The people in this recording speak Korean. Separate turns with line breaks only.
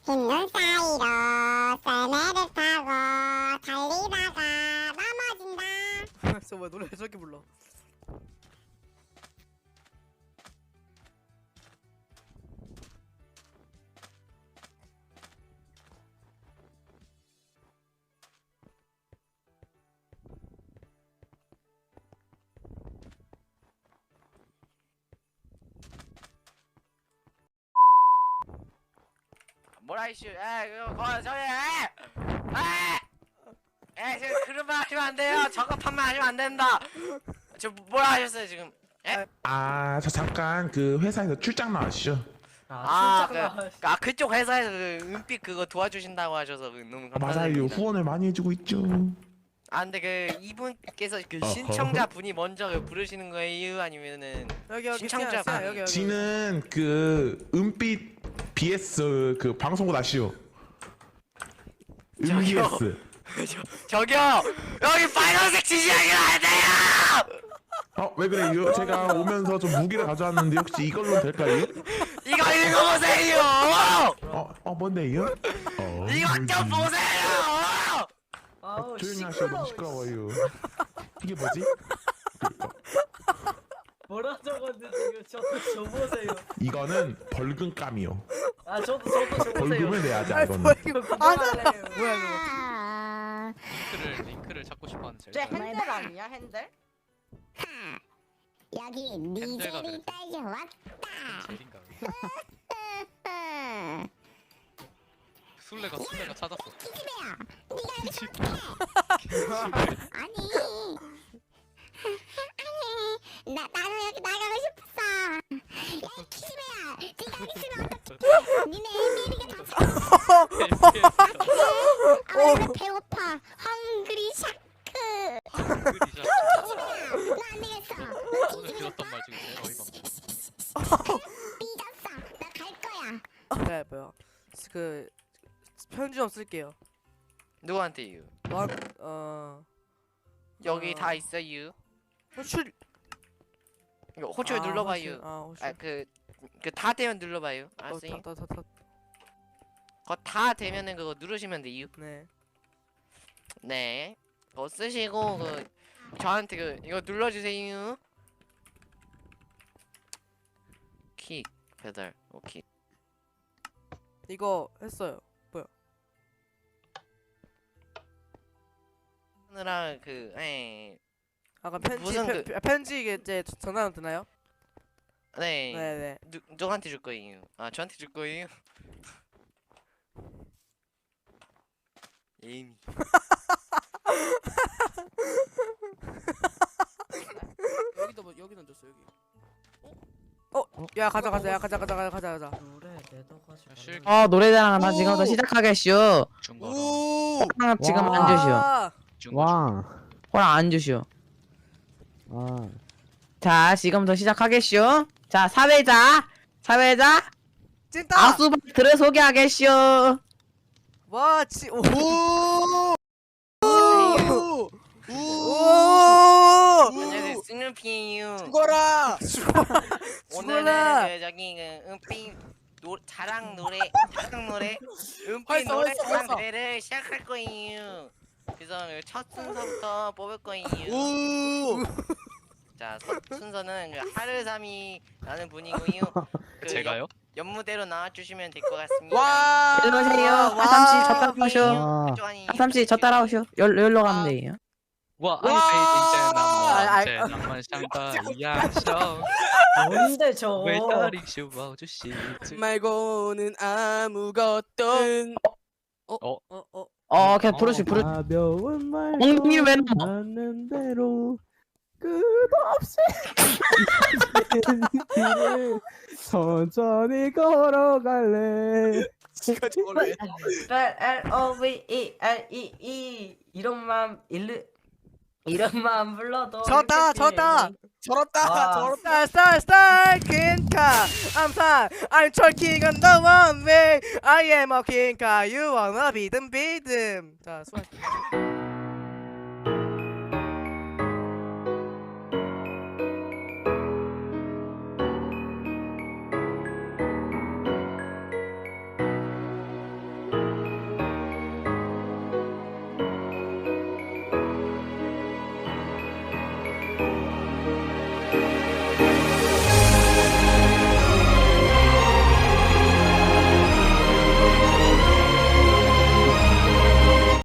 흰눈 사이로 썰매를 타고 달리다가 넘어진다.
저 뭐야 노래 저렇게 불러?
뭐라 이슈? 그거 저기 지금 그런 말 하시면 안 돼요. 저급한 말 하시면 안 된다. 저 뭐라 하셨어요 지금?
저 잠깐 그 회사에서 출장 나왔죠.
그쪽 회사에서 그 은빛 그거 도와주신다고 하셔서 너무
맞아요.
감사드립니다.
후원을 많이 해주고 있죠.
근데 그 이분께서 그 신청자 분이 먼저 그 부르시는 거예요? 아니면은
여기
신청자
시야, 여기.
지는 그 은빛 BS 그 방송국 아시오?
저기요.
BS.
저기요 여기 빨간색 지시하기 안 돼요.
왜 그래요? 제가 오면서 좀 무기를 가져왔는데 혹시 이걸로 될까요?
이거 읽어보세요.
뭔데요?
이거 좀 보세요.
조용히 하시오. 너무 시끄러워요. 이게 뭐지?
뭐라 적었는데 저 보세요.
이거는 벌금감이요.
저도 저 보세요.
벌금을 내야지 이거는.
뭐야
아,
링크를 찾고 싶어하는
쟤
젤.
핸들 아니야 핸들?
여기 니젤이
그래.
따져왔다.
젤인가? 술래가 찾았어.
기집애야, 네가 여기 아니 나는 여기 나가고 싶었어. 야 기집애야, 네가 여기 있으면 어떡해? 니네 애미리가 다 나 배고파. 헝그리 샤크. 나안 되겠어.
오늘 들었던 말 중에 제일 어이가 없네.
삐졌어. 나 갈 거야.
네 뭐야? 그 편지 좀 쓸게요.
누구한테요? 여기 다 있어요.
호출.
이거 호출 눌러봐요.
호출.
그 다 되면 눌러봐요. 알았어요?
다.
그거 다 되면은 그거 누르시면 돼요.
네.
네. 그거 쓰시고 저한테 이거 눌러주세요. 킥 배달. 오케이.
이거 했어요.
하느라
아까 편지
무슨
편지 이제 전화는 되나요?
네.
네네.
누구한테 줄 거예요? 저한테 줄 거예요? 에이미.
여기 던졌어 여기. 야 가자.
노래 내다가지고.
실-
노래자랑 나
오!
지금부터 시작하겠슈.
중거로.
호랑 지금 안 주시오.
중거.
호랑 안 주시오. 자, 지금부터 시작하겠슈. 자, 사회자
찐따.
아수박들을 소개하겠슈.
와 지. 오.
안녕하세요. 스누피예요.
죽어라.
오늘은 저기 은빛 자랑 노래 은빛
활성,
노래
활성,
자랑
활성.
노래를 시작할 거예요. 그래서 첫 순서부터 뽑을 거예요. 자, 첫 순서는 하르삼이라는 분이고요.
제가요?
연무대로 나와주시면 될 것 같습니다.
와.
일로 오세요. 하삼씨 저 따라오쇼.
그쪽 아니,
하삼씨 저 따라오쇼. 여기로 가면 돼요.
我
와!
爱飞进这浪漫像大亚洲
뭔데 저?
伟大领袖抱着希望
말고는 아무것도.
그냥 부르시.
가벼운 말
엉덩이를 왜 넣어?
하는 대로 끝없이 길을 천천히 걸어갈래.
지가 저래.
LOVEREE 이름만 불러도
졌다.
이렇게
저렇다.
와.
스타 퀸카. I'm talking on the one way. I am a king car. You wanna be them. 자 수고하셨습니다.